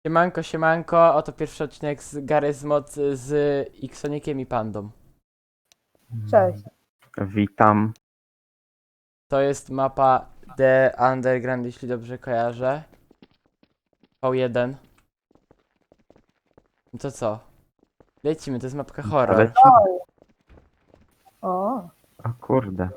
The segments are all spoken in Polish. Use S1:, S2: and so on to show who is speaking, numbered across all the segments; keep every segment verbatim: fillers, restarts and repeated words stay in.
S1: Siemanko, siemanko, oto pierwszy odcinek z Garry's Mod z Xonikiem i Pandą.
S2: Cześć.
S3: Witam.
S1: To jest mapa The Underground, jeśli dobrze kojarzę. V jeden. No to co? Lecimy, to jest mapka horror.
S3: Ale
S2: O,
S3: o kurde.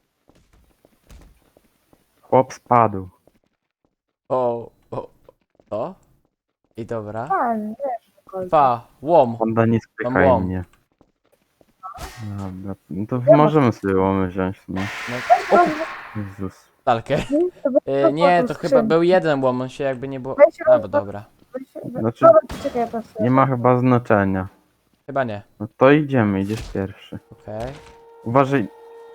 S3: Chłop spadł.
S1: O, o, o. I dobra.
S2: pan, wiesz, kolce.
S1: Pa, łom.
S3: Honda nie
S1: Mam
S3: spychaj
S1: łom.
S3: mnie. Dobra, no to
S2: Ja
S3: możemy sobie łomy wziąć w sumie.
S1: No,
S2: No,
S3: Jezus.
S1: talkę.
S2: to by-
S1: E, nie, to
S2: poszło
S1: chyba
S2: skrzynki.
S1: był jeden łom, on się jakby nie było...
S2: Weź
S1: A,
S2: roz-
S1: bo dobra.
S2: weź-
S3: Znaczy-
S2: Dobra, czekaj, to sobie-
S3: Nie ma chyba znaczenia.
S1: Chyba nie.
S3: No to idziemy, idziesz pierwszy.
S1: Okej,
S3: Uważaj,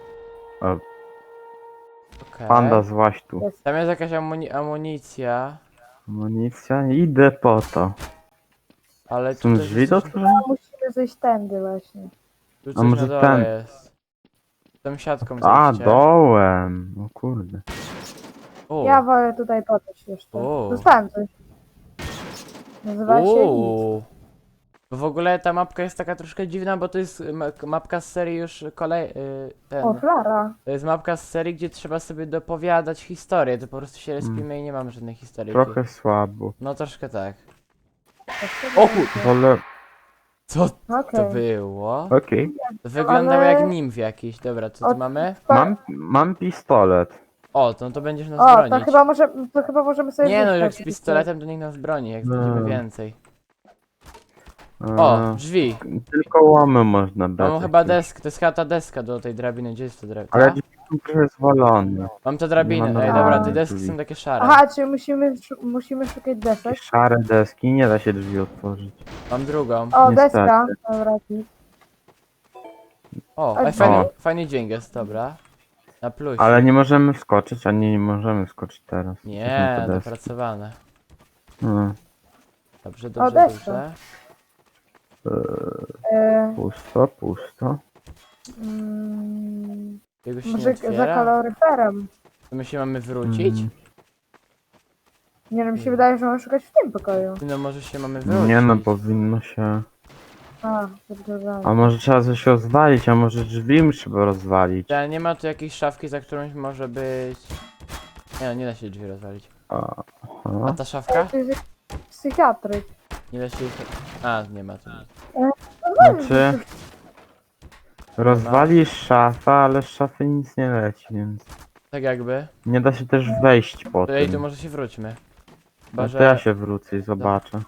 S1: okej.
S3: panda złaś tu.
S2: Jest.
S1: Tam jest jakaś amuni amunicja,
S3: Amunicja, idę po to.
S1: ale
S3: Są
S1: tutaj
S3: drzwi
S1: jest
S3: do
S1: coś-
S3: otworzenia?
S2: Musimy zejść tędy właśnie.
S1: Tu
S3: A
S1: coś
S3: może
S1: na dole
S3: ten?
S1: jest. Tą siatką
S3: A,
S1: zejdźcie.
S3: dołem. O kurde.
S1: U,
S2: Ja wolę tutaj podejść jeszcze.
S1: O.
S2: Dostałem coś. Nazywa się nic.
S1: u. Bo w ogóle ta mapka jest taka troszkę dziwna, bo to jest ma mapka z serii już kolej... y, ten.
S2: O, flara.
S1: To jest mapka z serii, gdzie trzeba sobie dopowiadać historię, to po prostu się respimy i nie mamy żadnej historii.
S3: Trochę słabo.
S1: No troszkę tak.
S2: O,
S1: O kur...
S3: Wolę...
S1: Co to
S2: Okej.
S1: było?
S3: Okej.
S1: To wyglądało
S2: Ale-
S1: jak nimf jakiś. Dobra, co tu
S2: Od-
S1: mamy?
S3: Mam, mam pistolet.
S1: O, to, no to będziesz nas
S2: O, to
S1: bronić.
S2: chyba, może, to chyba możemy sobie
S1: Nie no,
S2: wyjść
S1: jak
S2: tak
S1: z pistoletem to nikt nas broni, jak
S3: No.
S1: znajdziemy więcej.
S3: E,
S1: O, drzwi.
S3: Tylko łomy można brać.
S1: Mam chyba
S3: jakieś.
S1: deskę, to jest chyba ta deska do tej drabiny, gdzie jest ta drabina?
S3: Ale drzwi są trochę zwalone.
S1: Mam tę drabinę,
S3: Nie ma
S1: ej
S2: normalnych
S1: dobra, te deski
S3: drzwi.
S1: są takie szare.
S2: Aha, czy musimy, szu- musimy szukać desek?
S3: Takie szare deski, nie da się drzwi otworzyć.
S1: Mam drugą.
S2: O,
S3: Niestety.
S2: deska. Dobra, git.
S1: O,
S2: A
S1: ej, fajny,
S3: O.
S1: fajny dźwięk jest, dobra. Na plusie.
S3: Ale nie możemy wskoczyć, ani nie możemy wskoczyć teraz.
S1: Nie,
S3: Jesteśmy po deski.
S1: dopracowane.
S3: No,
S1: Dobrze, dobrze,
S2: deska.
S1: dobrze.
S2: E,
S3: pusto, pusto.
S2: mm,
S1: Jego się nie
S2: może za
S1: otwiera?
S2: kaloryferem.
S1: To my się mamy wrócić?
S3: Mhm.
S2: Nie no, mi się wydaje, że mamy szukać w tym pokoju.
S1: No może się mamy wrócić.
S3: Nie no, powinno się...
S2: A, dobrze.
S3: A może trzeba coś rozwalić, a może drzwi trzeba rozwalić.
S1: Ale nie ma tu jakiejś szafki, za którąś może być... Nie no, nie da się drzwi rozwalić.
S3: A,
S1: A
S3: aha.
S1: ta szafka?
S2: To jest psychiatryk.
S1: Nie da się ich... A, nie ma tu nic.
S3: Znaczy... Rozwalisz szafę, ale z szafy nic nie leci, więc...
S1: Tak jakby.
S3: Nie da się też wejść po
S1: To ej, tu
S3: tym.
S1: może się wróćmy. Chyba,
S3: No
S1: że...
S3: to ja się wrócę i zobaczę.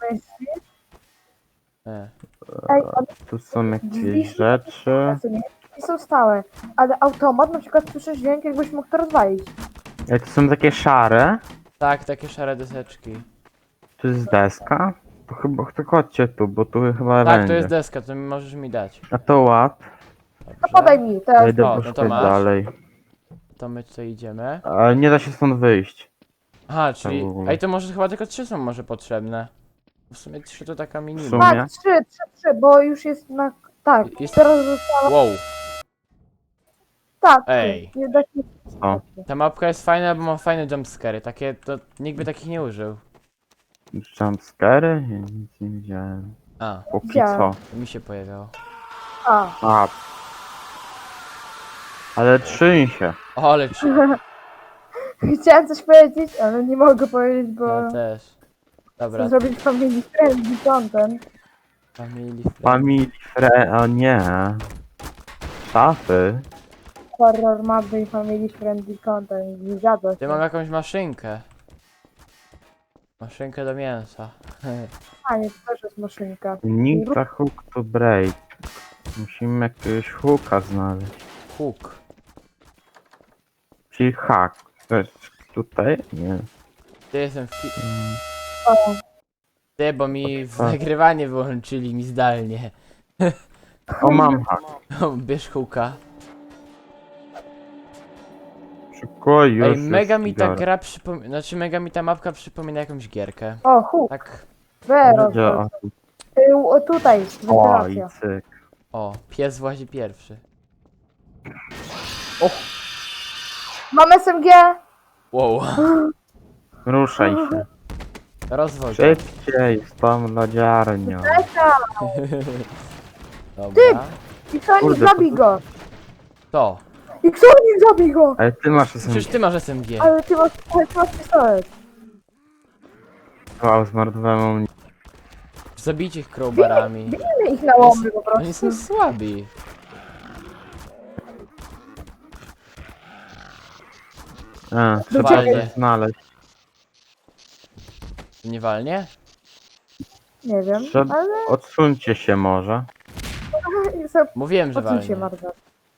S1: E.
S2: Ej, a
S3: Tu są
S2: drzwi
S3: jakieś rzeczy.
S2: drzwi są stałe, ale automat na przykład słyszy dźwięk, jakbyś mógł to rozwalić.
S3: Ej, tu są takie szare.
S1: Tak, takie szare deseczki.
S3: Tu jest deska. To chyba, to chodźcie tu, bo tu chyba
S1: Tak,
S3: będzie.
S1: to jest deska, to możesz mi dać.
S3: A to łap.
S2: No
S1: Dobrze.
S2: podaj mi, to
S3: Ja
S2: jest
S3: idę
S1: O, no to
S3: poszukać
S1: masz.
S3: dalej.
S1: To my tutaj idziemy.
S3: Ale nie da się stąd wyjść.
S1: Aha, czyli...
S3: w ogóle.
S1: Ej, to może chyba tylko trzy są może potrzebne. W sumie trzy to taka minimum.
S3: sumie.
S2: Tak, trzy, trzy, trzy, bo już jest na... Tak,
S1: Jest-
S2: teraz została...
S1: Wow,
S2: Tak,
S1: Ej.
S2: Nie da się...
S3: O.
S1: ta mapka jest fajna, bo ma fajne jumpscary. Takie, to nikt by takich nie użył.
S3: Jumpscary? Ja nic nie widziałem.
S1: A,
S3: Póki
S2: Widziałem.
S3: co.
S1: to mi się pojawiało.
S2: A,
S3: A. Ale trzyń się.
S1: O, ale czy...
S2: chciałem coś powiedzieć, ale nie mogę powiedzieć, bo...
S1: Ja też. Dobra,
S2: Chcę zrobić family friendly content.
S1: family friend.
S3: Family fre... O nie. Szafy.
S2: Horror mapy i family friendly content. Nie zgadza
S1: Ja mam
S2: się.
S1: jakąś maszynkę. Maszynkę do mięsa.
S2: A nie, to też jest maszynka.
S3: Ninja hook to break. Musimy jakiegoś hooka znaleźć.
S1: Hook.
S3: Czyli hack. To jest tutaj? Nie.
S1: Ty jestem w ki...
S3: Mm,
S2: O,
S1: Ty, bo mi w
S3: Tak.
S1: nagrywanie wyłączyli mi zdalnie.
S3: O, mam hack.
S1: Bierz hooka.
S3: Szybko, już
S1: Ej,
S3: jest
S1: mega mi ta
S3: biorę.
S1: gra przypomina... Znaczy mega mi ta mapka przypomina jakąś gierkę.
S2: o, huk,
S1: Tak...
S2: Vero.
S3: Będzie, o,
S2: Y, O, tutaj,
S3: o, i
S2: wentylacja.
S3: cyk.
S1: O, pies włazi pierwszy.
S2: Mam S M G!
S1: Wow.
S3: Ruszaj się.
S1: Rozwój.
S3: Szybciej z tą lodziarnią.
S1: Dobra.
S2: Xoni,
S3: Kurde,
S2: zabij
S3: to-
S2: go!
S1: To.
S2: Xoni, zabij go!
S3: Ale ty masz S M
S1: Przecież
S3: G.
S1: ty masz S M G.
S2: Ale ty masz, ale ty masz pistolet.
S3: Wow, zmarnowałem amunicję.
S1: Zabijcie ich crowbarami.
S2: Bijmy ich na łomy po
S1: Oni
S2: prostu.
S1: są słabi.
S3: A, trzeba
S1: Walnie.
S3: coś znaleźć.
S1: Nie walnie?
S2: Nie wiem,
S3: Trzeba...
S2: ale
S3: Odsuńcie się może.
S2: sobie
S1: Mówiłem, że
S2: odsuń się,
S1: walnie.
S2: Mardar.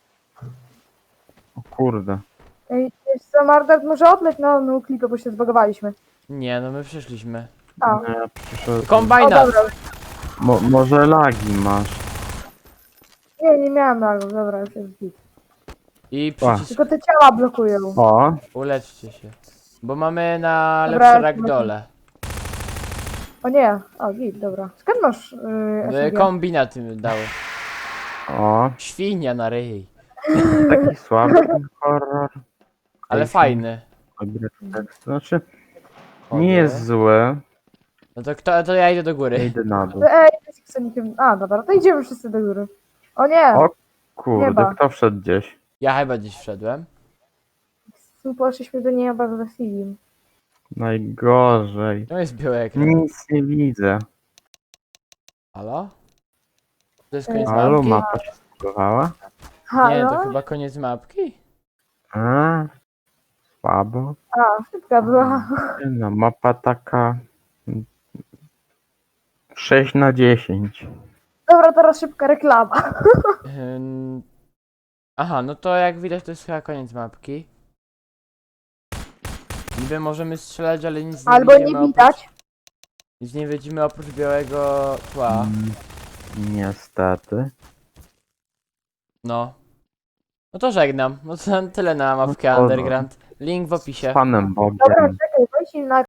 S3: O kurde.
S2: Ej, wiesz co, Mardar może odleć na no, klipę, bo się zbagowaliśmy.
S1: Nie, no my przyszliśmy.
S2: A,
S3: No ja przyszedłem.
S2: o
S1: Kombajnat!
S2: dobra.
S3: Mo może lagi masz.
S2: Nie, nie miałem lagów, dobra, już jest git.
S1: I
S3: A.
S1: przycisk.
S2: Tylko te ciała blokują.
S3: O,
S1: Uleczcie się. Bo mamy na
S2: Dobra,
S1: lepsze
S2: jak
S1: ragdole.
S2: O nie, o git, dobra. Skąd masz yy, S M G?
S1: Kombinat mi dały.
S3: o.
S1: Świnia na ryj.
S3: Taki słaby ten horror.
S1: Ale
S3: Ej,
S1: fajny.
S3: Dobry tekst. Znaczy, nie jest zły.
S1: No to kto, to ja idę do
S3: Ja
S1: góry.
S3: idę na dół.
S2: To Ej, jest Xonikiem. A, dobra, to idziemy wszyscy do góry. O nie,
S3: O kurde,
S2: Nieba.
S3: kto wszedł gdzieś?
S1: Ja chyba gdzieś wszedłem.
S2: tu poszliśmy do nieba z Wasiliem.
S3: Najgorzej.
S1: To jest biały ekran.
S3: Nic nie widzę.
S1: Halo? To jest koniec
S3: Halo,
S1: mapki?
S3: mapa się zbudowała?
S1: Nie, to
S2: Halo?
S1: chyba koniec mapki.
S3: A, słabo.
S2: A, szybka była.
S3: Nie no, mapa taka... sześć na dziesięć.
S2: Dobra, teraz szybka reklama.
S1: Ym, Aha, no to jak widać to jest chyba koniec mapki. Niby możemy strzelać, ale nic nie
S2: Albo
S1: widzimy
S2: nie
S1: oprócz,
S2: widać.
S1: nic nie widzimy oprócz białego tła.
S3: Mm, Niestety.
S1: No. No to żegnam. No to tyle na mapkę
S3: No to-
S1: Underground. Link w
S3: Z
S1: opisie.
S3: Panem Bogiem.
S2: Dobra, czekaj, weź im na